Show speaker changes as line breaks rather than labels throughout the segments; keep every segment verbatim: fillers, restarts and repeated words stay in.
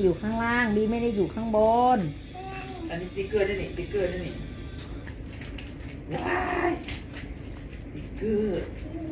อยู่ข้างล่างดีไม่ได้อยู่ข้างบน
อันนี้สติ๊กเกอร์ด้วยนี่สติ๊กเกอร์ด้วยนี่ว้ายสติ๊กเกอร์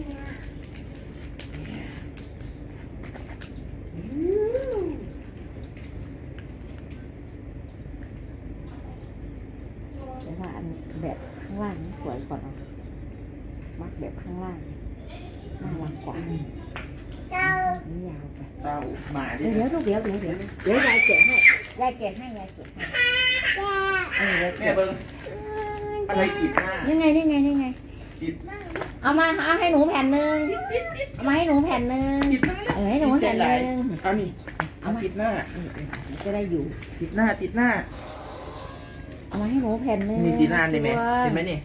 แต่ว่าอันแบบข้างล่างนี่สวยกว่าเนาะมักแบบข้างล่างน่ารักกว่านี่ยาวไป
เต้าหมาดิ
เดี๋ยวเดี๋ยวเดี๋ยวเดี๋ยวเดี๋ยวยายแกะให้ยายแกะให้ยายแกะให้เออ
แม่เบิ้งอะไรติดหน้า
นี่ไงนี่ไงนี่ไง
ติดหน้า
เอามาเอาให้หนูแผ่นหนึ่งเอามาให้หนูแผ่นหนึ่ง
ติดหน้า
เออให้หนูแผ่นหนึ่ง
เอานี่เอาติดหน้า
จะได้อยู่
ติดหน้าติดหน้า
เอามาให้หนูแผ่นหนึ่ง
มีติดหน้าได้ไหมเห็นไหมนี่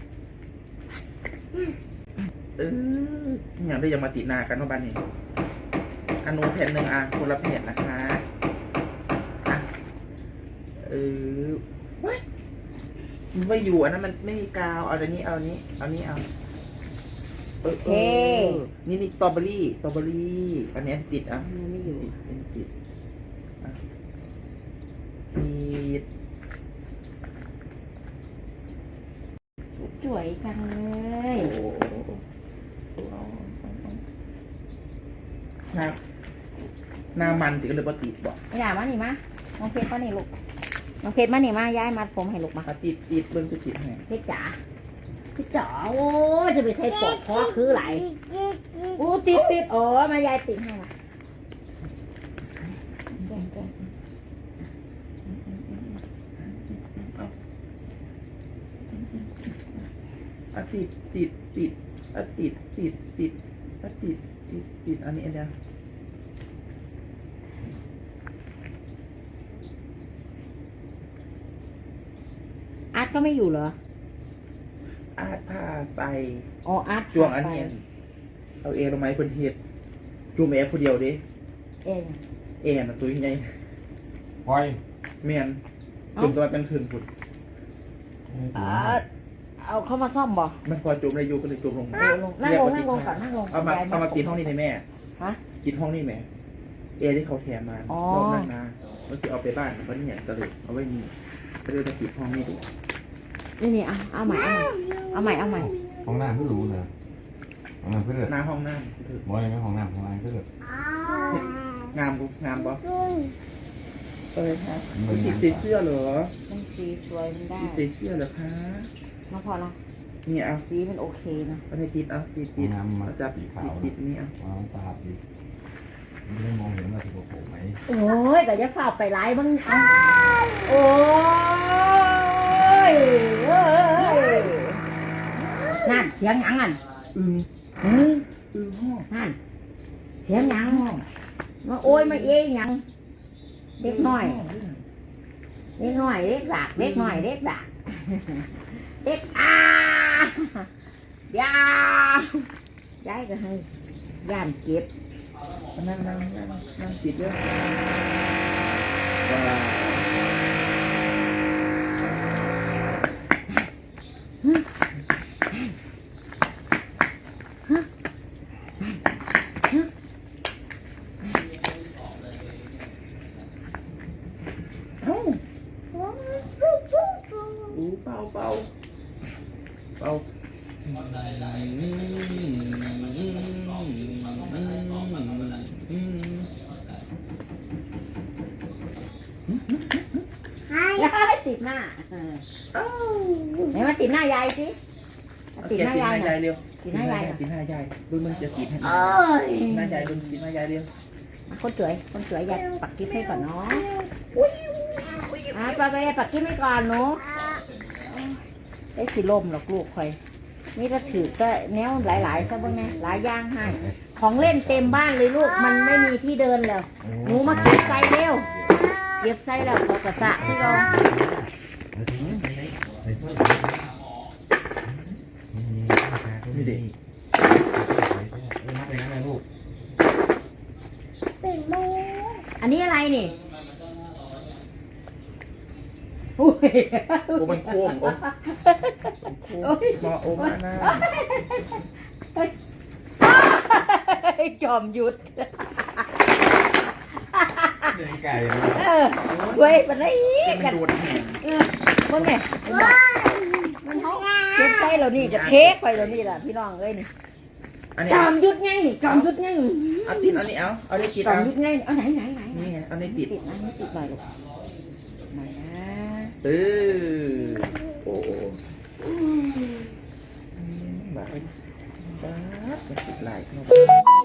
เอออย่างได้ยังมาติดหน้ากันว่าบ้านนี้อันนู้นแผ่นหนึ่งอ่ะคนละแผ่นนะคะอ่ะเออว้ายมันไม่อยู่อันนั้นมันไม่มีกาวเอาอันนี้เอาอันนี้เอาอันนี้เอาเออเออนี่นี่สตรอเบอรี่สตรอเบอรี่อันนี้ติดอ่ะ
มันไม่อยู่
ติดเป็นติดอ่ะติด
สวยจังเลย
โอ้หน้าหน้ามันติดก็เลยปติดบอก
อย่ามาหนิมาน้องเพชรมาหนิลูกน้องเพชรมาหนิมาย้ายมัดผมให้ลูกมา
ติดติดเบิ้งติดติดไง
เพชรจ๋าเพชรจ๋าโอ้จะไปใช้ปอกคอคือไหลโอ้ติดติดอ๋อมายายติดให้มาแกงแกง
อ่ะติดติดติดอ่ะติดติดติดอ่ะติดติดติดอันนี้อันเดียว
อาร์ตก็ไม่อยู่เหรอ
อาดผ้าไป
อ๋ออาร์ต
จวงอันนี้เอาเอลงไม้คนเห็ดจูมแอคนเดียวดิ
เอง
เอน่ะตัวยังไง
ปล่อย
เมียนจุ่มตัวเป็นถึงผุด
อาร์ตเอาเข้ามาซ่อมบ่
มันพอจุ่มได้อยู่ก็เลยจุ่มลง
นั่งลงนั่งลงนั่งลงก่อนนั่งลง
เอามาเอามากินห้องนี้ในแม่
ฮะ
กินห้องนี่แม่เอที่เขาแถมมา
อ๋อ
รอบนั้นนะมันจะเอาไปบ้านวันนี้เนี่ยก็เลยเอาไว้นี่ก็เลยจะปิดห้องนี้ดู
นี่นี่เอาเอาใหม่เอาใหม่เอาใหม่เอาใหม่
ห้องน้ำก็รู้เลยห้องน้ำก็เลือด
หน้าห้องน้ำ
บอยไม่ห้องน้ำห้องน้ำก็เลือด
งามบุงามบ่เออครับติดใส่เสื้อเหรอ
มันสีสวยมันได้
ติดใส่เสื้อเหรอคะ
มาพอละ
นี่เอา
สีมันโอเคนะ
เอาให้ติดเอาติด
ห้อ
ติ
ง
ด
น้ำมา
เอาจับ
สี
ติด
ขาว
ติดนี่เอา
ว้าวสะอาดดีไม่ได้มองเห็นว่าถูกโผล่ไหม
โอ้ยแต่จะฝ่าไปไล่บ้างเอาโอ้ยเอ้ยนั่นเสียงหยังอัน
อึง
เฮ้ย
อึงห้อง
นั่นเสียงหยังมาโอ้ยมาเอ้ยหยังเด็กน้อยเด็กน้อยเด็กดักเด็กน้อยเด็กดักเด็กอายายายก็ให้ย่านเก็บ
นั่งนั่งนั่งนั่งติดเรื่องว้าเอ้าอู้เป่าเป่าเป่า
ยายติดหน้าไหนมาติดหน้ายายสิติดหน้ายายหน่อย
เร็ว
ติดหน้ายาย
ติดหน้ายายบึ้งมันจะติดให้
เอ้ย
หน้ายายบึ้งติดหน้ายายเร็ว
คนสวยคนสวยยายปักกิ๊บให้ก่อนเนาะอ่ะปักยายปักกิ๊บให้ก่อนเนาะได้สิลมหรอกลูกคอยนี่ถ้าถือก็แนวหลายๆซะบ้างไงหลายอย่างให้ของเล่นเต็มบ้านเลยลูกมันไม่มีที่เดินแล้วหนูมาเก็บใส่เร็วเก็บใส่แล้วเขากระสะที่เรา
นี่เด็ก
นับไปงั้นเลยลูก
อันนี้อะไรนี่อุ้ย
โอ้มันโค้งโอ้โค้งมาโอ้มาหน้า
จอมยุทธ
เดินไก่
เออสวยปานนี้
เป็น
กัน
โดนแหง
เออมึงไงมันเขาเก็บใส่เรานี่จะเค้กไปเรานี่แหละพี่น้องเอ้ยนี่
อันนี้
จอมยุดไงนี่จอมยุดไง
เอาติดอันนี้เอาเอาได้ติด
จอม
เอา
ยุดไงเอาไหนไหนไหน
นี่ไงเอาได้ติด
ติดนะติดหน่อยลูกหน่อยนะ
เออโอ้โหบ้าบ้ามันติดหลายเนาะ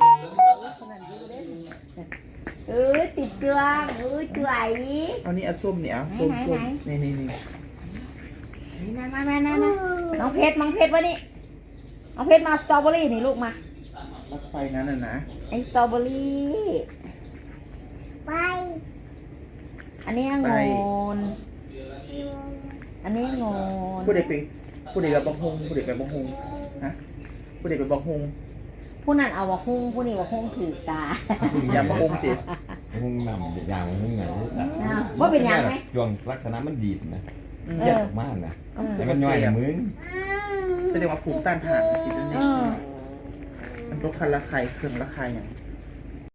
เออติดเครื่องเออสวย
เอานี่เอาส้มเนี่ยเอาส้ม
ไหน
ส้ม
ไหน
นี่นี่นี่
นี่มามามามามาน้องเพชรน้องเพชรวะนี่น้องเพชรมาสตรอเบอรี่นี่ลูกมา
รถไฟนั้นน่ะนะ
ไอสตรอเบอรี่ไปอันนี้องุ่นอันนี้องุ่น
ผู้เด็กไปผู้เด็กกับบังฮงผู้เด็กไปบังฮงฮะผู้เด็กไปบังฮง
ผู้นั้นเอาว่าหุ้งผู้นี้ว่าหุ้งถือตา
อย่าบังฮงติ
หุ้งนำอย่างหุ้งไหน
ว่าเป็นยังไหม
ช่วงลักษณะมันดีดนะ
อืม
เออ
เยอะมากนะ
เออ
แต่มันย่อยมึง
แสดงว่าภูมิต้านทานสิตรง
เอ
นี้
อ
มันต้องคันละไข่เครื่องละไข่อย่าง